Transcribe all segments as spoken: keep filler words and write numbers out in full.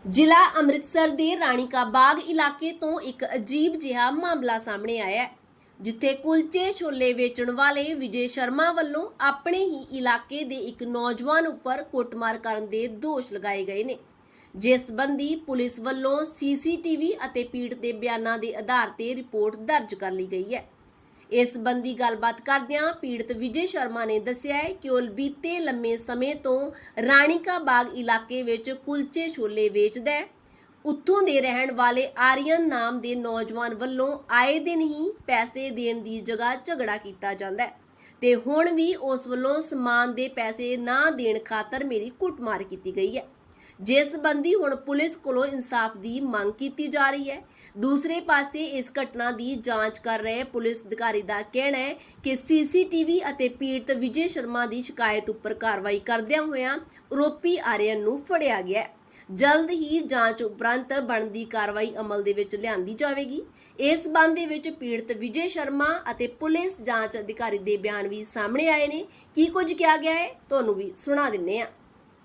ਜ਼ਿਲ੍ਹਾ ਅੰਮ੍ਰਿਤਸਰ ਦੇ ਰਾਣੀ ਕਾ ਬਾਗ ਇਲਾਕੇ ਤੋਂ ਇੱਕ ਅਜੀਬ ਜਿਹਾ ਮਾਮਲਾ ਸਾਹਮਣੇ ਆਇਆ ਹੈ, ਜਿੱਥੇ ਕੁਲਚੇ ਛੋਲੇ ਵੇਚਣ ਵਾਲੇ ਵਿਜੇ ਸ਼ਰਮਾ ਵੱਲੋਂ ਆਪਣੇ ਹੀ ਇਲਾਕੇ ਦੇ ਇੱਕ ਨੌਜਵਾਨ ਉੱਪਰ ਕੁੱਟਮਾਰ ਕਰਨ ਦੇ ਦੋਸ਼ ਲਗਾਏ ਗਏ ਨੇ। ਜਿਸ ਸੰਬੰਧੀ ਪੁਲਿਸ ਵੱਲੋਂ ਸੀਸੀਟੀਵੀ ਅਤੇ ਪੀੜਤ ਦੇ ਬਿਆਨਾਂ ਦੇ ਆਧਾਰ ਤੇ ਰਿਪੋਰਟ ਦਰਜ ਕਰ ਲਈ ਗਈ ਹੈ। ਇਸ ਸੰਬੰਧੀ ਗੱਲਬਾਤ ਕਰਦਿਆਂ ਪੀੜਤ ਵਿਜੇ ਸ਼ਰਮਾ ਨੇ ਦੱਸਿਆ ਹੈ ਕਿ ਉਹ ਬੀਤੇ ਲੰਮੇ ਸਮੇਂ ਤੋਂ ਰਾਣੀ ਕਾ ਬਾਗ ਇਲਾਕੇ ਵਿੱਚ ਕੁਲਚੇ ਛੋਲੇ ਵੇਚਦਾ ਹੈ। ਉੱਥੋਂ ਦੇ ਰਹਿਣ ਵਾਲੇ ਆਰੀਅਨ ਨਾਮ ਦੇ ਨੌਜਵਾਨ ਵੱਲੋਂ ਆਏ ਦਿਨ ਹੀ ਪੈਸੇ ਦੇਣ ਦੀ ਜਗ੍ਹਾ ਝਗੜਾ ਕੀਤਾ ਜਾਂਦਾ ਹੈ ਤੇ ਹੁਣ ਵੀ ਉਸ ਵੱਲੋਂ ਸਮਾਨ ਦੇ ਪੈਸੇ ਨਾ ਦੇਣ ਖਾਤਰ ਮੇਰੀ ਕੁੱਟਮਾਰ ਕੀਤੀ ਗਈ ਹੈ, ਜਿਸ ਸੰਬੰਧੀ ਹੁਣ ਪੁਲਿਸ ਕੋਲੋਂ ਇਨਸਾਫ ਦੀ ਮੰਗ ਕੀਤੀ ਜਾ ਰਹੀ ਹੈ। ਦੂਸਰੇ ਪਾਸੇ ਇਸ ਘਟਨਾ ਦੀ ਜਾਂਚ ਕਰ ਰਹੇ ਪੁਲਿਸ ਅਧਿਕਾਰੀ ਦਾ ਕਹਿਣਾ ਹੈ ਕਿ ਸੀਸੀਟੀਵੀ ਅਤੇ ਪੀੜਤ ਵਿਜੇ ਸ਼ਰਮਾ ਦੀ ਸ਼ਿਕਾਇਤ ਉੱਪਰ ਕਾਰਵਾਈ ਕਰਦਿਆਂ ਹੋਇਆਂ ਆਰੋਪੀ ਆਰੀਅਨ ਨੂੰ ਫੜਿਆ ਗਿਆ ਹੈ। ਜਲਦ ਹੀ ਜਾਂਚ ਉਪਰੰਤ ਬਣਦੀ ਕਾਰਵਾਈ ਅਮਲ ਦੇ ਵਿੱਚ ਲਿਆਂਦੀ ਜਾਵੇਗੀ। ਇਸ ਸੰਬੰਧ ਦੇ ਵਿੱਚ ਪੀੜਤ ਵਿਜੇ ਸ਼ਰਮਾ ਅਤੇ ਪੁਲਿਸ ਜਾਂਚ ਅਧਿਕਾਰੀ ਦੇ ਬਿਆਨ ਵੀ ਸਾਹਮਣੇ ਆਏ ਨੇ। ਕੀ ਕੁਝ ਕਿਹਾ ਗਿਆ ਹੈ ਤੁਹਾਨੂੰ ਵੀ ਸੁਣਾ ਦਿੰਨੇ ਆ।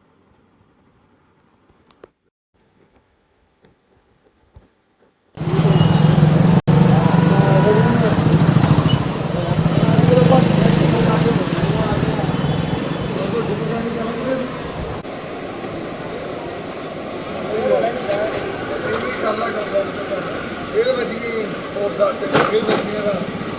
फिर बच गई और दस से फिर बच गया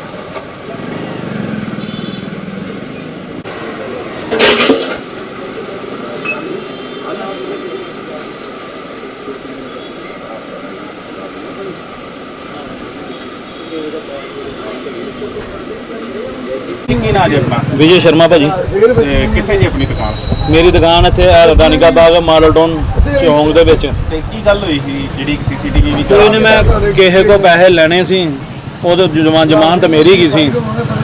ਕੀ ਨਾਂ ਜੀ ਆਪਣਾ? विजय शर्मा भाजी। ਤੇ ਕਿੱਥੇ ਜੀ ਆਪਣੀ ਦੁਕਾਨ? मेरी दुकान इत्थे रानी का बाग माडल टाउन चौंक ਦੇ ਵਿੱਚ। ਤੇ ਕੀ ਗੱਲ ਹੋਈ ਸੀ ਜਿਹੜੀ ਸੀਸੀਟੀਵੀ ਵੀ ਕੋਈ ਨਹੀਂ, ਮੈਂ ਕਿਸੇ ਕੋ ਪੈਸੇ ਲੈਣੇ ਸੀ, ਉਹਦੇ ਜਮਾਨ ਜ਼ਮਾਨਤ ਮੇਰੀ ਗਈ ਸੀ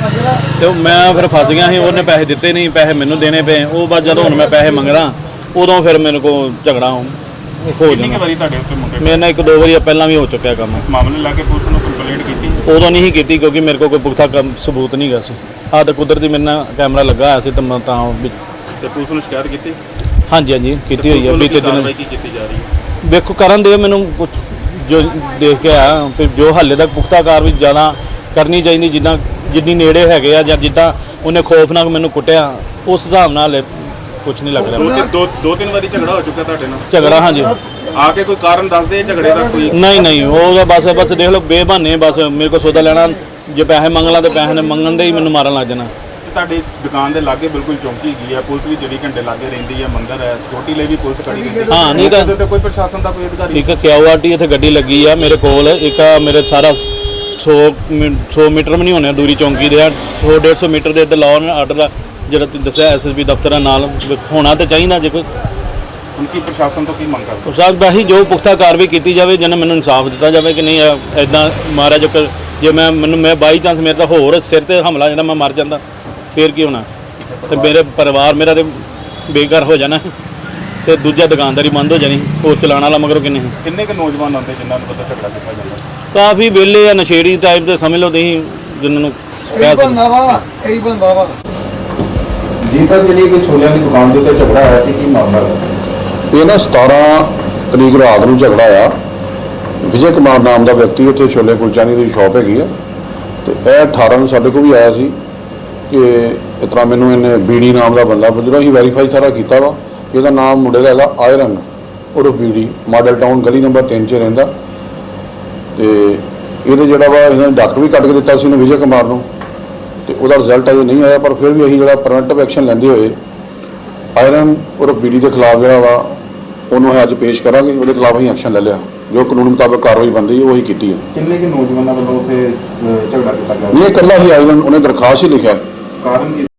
ਤੇ ਮੈਂ ਫਿਰ ਫਸ ਗਿਆ ਸੀ। ਉਹਨੇ ਪੈਸੇ ਦਿੱਤੇ ਨਹੀਂ, ਪੈਸੇ ਮੈਨੂੰ ਦੇਣੇ ਪਏ। ਉਹ ਬਾਅਦ ਜਦੋਂ ਹੁਣ ਮੈਂ ਪੈਸੇ ਮੰਗਦਾ ਉਦੋਂ ਫਿਰ ਮੇਰੇ ਕੋ ਝਗੜਾ ਹੋ ਕਿੰਨੀ ਜਾਂਦਾ। ਵਾਰੀ ਤੁਹਾਡੇ ਉੱਤੇ ਮੁੰਡੇ ਮੇਰੇ ਨਾਲ ਇੱਕ ਦੋ ਵਾਰੀ ਪਹਿਲਾਂ ਵੀ ਹੋ ਚੁੱਕਿਆ ਕੰਮ। ਇਸ ਮਾਮਲੇ ਲਾ ਕੇ ਪੁਲਿਸ ਨੂੰ ਕੰਪਲੇਂਟ ਕੀਤੀ? ਉਦੋਂ ਨਹੀਂ ਕੀਤੀ ਕਿਉਂਕਿ ਮੇਰੇ ਕੋਲ ਕੋਈ ਪੁਖਤਾ ਕੰਮ ਸਬੂਤ ਨਹੀਂ ਗਾ ਸੀ। ਆਹ ਤਾਂ ਕੁਦਰਤੀ ਮੇਰੇ ਨਾਲ ਕੈਮਰਾ ਲੱਗਾ ਹੋਇਆ ਸੀ ਤੇ ਮੈਂ ਤਾਂ ਵੀ ਤੇ ਪੁਲਿਸ ਨੂੰ ਸ਼ਿਕਾਇਤ ਕੀਤੀ? ਹਾਂਜੀ ਹਾਂਜੀ ਕੀਤੀ ਹੋਈ ਹੈ। ਬੀਤੇ ਦਿਨ ਕਾਰਵਾਈ ਕੀ ਕੀਤੀ ਜਾ ਰਹੀ ਹੈ? ਵੇਖੋ ਕਰਨ ਦੇ ਮੈਨੂੰ ਕੁਛ ਜੋ ਦੇਖ ਕੇ ਆਇਆ ਫਿਰ ਜੋ ਹਾਲੇ ਤੱਕ ਪੁਖਤਾ ਕਾਰਵਾਈ ਜ਼ਿਆਦਾ ਕਰਨੀ ਚਾਹੀਦੀ, ਜਿੱਦਾਂ ਜਿੰਨੀ ਨੇੜੇ ਹੈਗੇ ਆ ਜਾਂ ਜਿੱਦਾਂ ਉਹਨੇ ਖੌਫਨਾਕ ਮੈਨੂੰ ਕੁੱਟਿਆ ਉਸ ਹਿਸਾਬ ਨਾਲ ਕੁਛ ਨਹੀਂ ਲੱਗ ਰਿਹਾ। ਦੋ ਦੋ ਤਿੰਨ ਵਾਰੀ ਝਗੜਾ ਹੋ ਚੁੱਕਾ ਤੁਹਾਡੇ ਨਾਲ? ਝਗੜਾ ਹਾਂਜੀ। ਆ ਕੇ ਕੋਈ ਕਾਰਨ ਦੱਸਦੇ ਝਗੜੇ ਦਾ? ਕੋਈ ਨਹੀਂ ਨਹੀਂ, ਉਹ ਬਸ ਬਸ ਦੇਖ ਲਓ ਬੇਬਹਾਨੇ ਬਸ ਮੇਰੇ ਕੋਲ ਸੌਦਾ ਲੈਣਾ, ਜੇ ਪੈਸੇ ਮੰਗ ਲਾਂ ਤੇ ਪੈਸੇ ਨੇ ਮੰਗਣ ਦੇ ਹੀ ਮੈਨੂੰ ਮਾਰਨ ਲੱਗ ਜਾਣਾ। ਤੁਹਾਡੀ ਦੁਕਾਨ ਦੇ ਲਾਗੇ ਬਿਲਕੁਲ ਚੌਂਕੀ ਗਈ ਹੈ, ਪੁਲਿਸ ਵੀ ਚੌਵੀ ਘੰਟੇ ਲਾਗੇ ਰਹਿੰਦੀ ਹੈ, ਮੰਦਰ ਹੈ, ਸਿਕਿਉਰਿਟੀ ਲਈ ਵੀ ਪੁਲਿਸ ਖੜੀ ਰਹਿੰਦੀ ਹੈ। ਹਾਂ ਨਹੀਂ ਤਾਂ ਤੇ ਕੋਈ ਪ੍ਰਸ਼ਾਸਨ ਦਾ ਕੋਈ ਅਧਿਕਾਰੀ? ਇੱਕ ਕਿਊਆਰਟੀ ਇੱਥੇ ਗੱਡੀ ਲੱਗੀ ਆ ਮੇਰੇ ਕੋਲ। ਇੱਕ ਮੇਰੇ ਸਾਰਾ ਸੌ ਸੌ ਮੀਟਰ ਵੀ ਨਹੀਂ ਹੋਣਾ ਦੂਰੀ ਚੌਂਕੀ ਦੇ ਆ, ਸੌ ਡੇਢ ਸੌ ਮੀਟਰ ਦੇ ਇੱਧਰ ਲਾਅ ਐਂਡ ਆਰਡਰ ਜਿਹੜਾ ਤੁਸੀਂ ਦੱਸਿਆ ਐਸ ਐਸ ਪੀ ਦਫ਼ਤਰਾਂ ਨਾਲ ਹੋਣਾ ਤਾਂ ਚਾਹੀਦਾ। ਜੇ ਕੋਈ ਹੁਣ ਕੀ ਪ੍ਰਸ਼ਾਸਨ ਤੋਂ ਕੀ ਮੰਗ ਕਰਦੇ? ਸਾਹਿਬ ਬਾਹੀ ਜੋ ਪੁਖਤਾ ਕਾਰਵਾਈ ਕੀਤੀ ਜਾਵੇ, ਜਿਹਨਾਂ ਮੈਨੂੰ ਇਨਸਾਫ ਦਿੱਤਾ ਜਾਵੇ ਕਿ ਨਹੀਂ ਐਦਾਂ ਮਹਾਰਾਜ ਜੇ ਮੈਂ ਮੈਨੂੰ ਮੈਂ ਬਾਈ ਚਾਂਸ ਮੇਰੇ ਤਾਂ ਹੋਰ ਸਿਰ ਤੇ ਹਮਲਾ ਜਿਹੜਾ ਮੈਂ ਮਰ ਜਾਂਦਾ ਫੇਰ ਕੀ ਹੋਣਾ, ਤੇ ਮੇਰੇ ਪਰਿਵਾਰ ਮੇਰਾ ਤੇ ਬੇਘਰ ਹੋ ਜਾਣਾ ਤੇ ਦੂਜਾ ਦੁਕਾਨਦਾਰੀ ਬੰਦ ਹੋ ਜਾਣੀ। ਉਹ ਚਲਾਉਣ ਵਾਲਾ ਮਗਰੋਂ ਕਿੰਨੇ ਕਿੰਨੇ ਕੁ ਨੌਜਵਾਨ ਆਉਂਦੇ ਜਿਨ੍ਹਾਂ ਨੂੰ ਪਤਾ ਝਗੜਾ ਕੀਤਾ ਜਾਂਦਾ? ਕਾਫੀ ਵਿਹਲੇ ਆ, ਨਸ਼ੇੜੀ ਟਾਈਪ ਦੇ ਸਮਝ ਲਓ ਤੁਸੀਂ, ਜਿਨ੍ਹਾਂ ਨੂੰ ਕਹਿ ਸਕਦੇ। बंदा वा यही बंदा वा ਜੀ ਸਰ, ਜਿਹੜੀ ਕਿ ਛੋਲਿਆਂ ਦੀ ਦੁਕਾਨ ਦੇ ਉੱਤੇ ਝਗੜਾ ਆਇਆ ਸੀ, ਕੀ ਮਾਮਲਾ ਹੈ? ਇਹ ਨਾ ਸਤਾਰਾਂ ਤਰੀਕ ਰਾਤ ਨੂੰ ਝਗੜਾ ਆਇਆ। ਵਿਜੇ ਕੁਮਾਰ ਨਾਮ ਦਾ ਵਿਅਕਤੀ ਉੱਥੇ ਛੋਲੇ ਕੁਲਚਾਨੀ ਦੀ ਸ਼ਾਪ ਹੈਗੀ ਆ, ਤੇ ਇਹ ਅਠਾਰਾਂ ਨੂੰ ਸਾਡੇ ਕੋਲ ਵੀ ਆਇਆ ਸੀ ਕਿ ਇਸ ਤਰ੍ਹਾਂ ਮੈਨੂੰ ਇਹਨੇ ਬੀੜੀ ਨਾਮ ਦਾ ਬੰਦਾ, ਜਦੋਂ ਅਸੀਂ ਵੈਰੀਫਾਈ ਸਾਰਾ ਕੀਤਾ ਵਾ, ਇਹਦਾ ਨਾਮ ਮੁੰਡੇ ਦਾ ਹੈਗਾ ਆਇਰਨ ਉਰਫ ਬੀੜੀ, ਮਾਡਲ ਟਾਊਨ ਗਲੀ ਨੰਬਰ ਤਿੰਨ 'ਚ ਰਹਿੰਦਾ। ਤੇ ਇਹਦੇ ਜਿਹੜਾ ਵਾ ਇਹਨਾਂ ਨੇ ਡਾਕਟਰ ਵੀ ਕੱਢ ਕੇ ਦਿੱਤਾ ਸੀ ਇਹਨੇ ਵਿਜੇ ਕੁਮਾਰ ਨੂੰ, ਤੇ ਉਹਦਾ ਰਿਜ਼ਲਟ ਅਜੇ ਨਹੀਂ ਆਇਆ। ਪਰ ਫਿਰ ਵੀ ਅਸੀਂ ਜਿਹੜਾ ਪ੍ਰੀਵੈਂਟਿਵ ਐਕਸ਼ਨ ਲੈਂਦੇ ਹੋਏ ਆਇਰਨ ਉਰਫ ਬੀੜੀ ਦੇ ਖਿਲਾਫ ਜਿਹੜਾ ਵਾ ਉਹਨੂੰ ਅਸੀਂ ਅੱਜ ਪੇਸ਼ ਕਰਾਂਗੇ। ਉਹਦੇ ਖਿਲਾਫ ਅਸੀਂ ਐਕਸ਼ਨ ਲੈ ਲਿਆ, ਜੋ ਕਾਨੂੰਨ ਮੁਤਾਬਕ ਕਾਰਵਾਈ ਬਣਦੀ ਹੈ ਉਹੀ ਕੀਤੀ ਹੈ। ਕਿੰਨੇ ਕਿ ਨੌਜਵਾਨਾਂ ਵੱਲੋਂ ਉੱਥੇ ਅਹ, ਝਗੜਾ ਕੀਤਾ ਗਿਆ? ਇਹ ਇਕੱਲਾ ਹੀ ਆਇਰਨ, ਉਹਨੇ ਦਰਖਾਸਤ ਹੀ ਲਿਖਿਆ। ਕਾਰਨ ਕੀ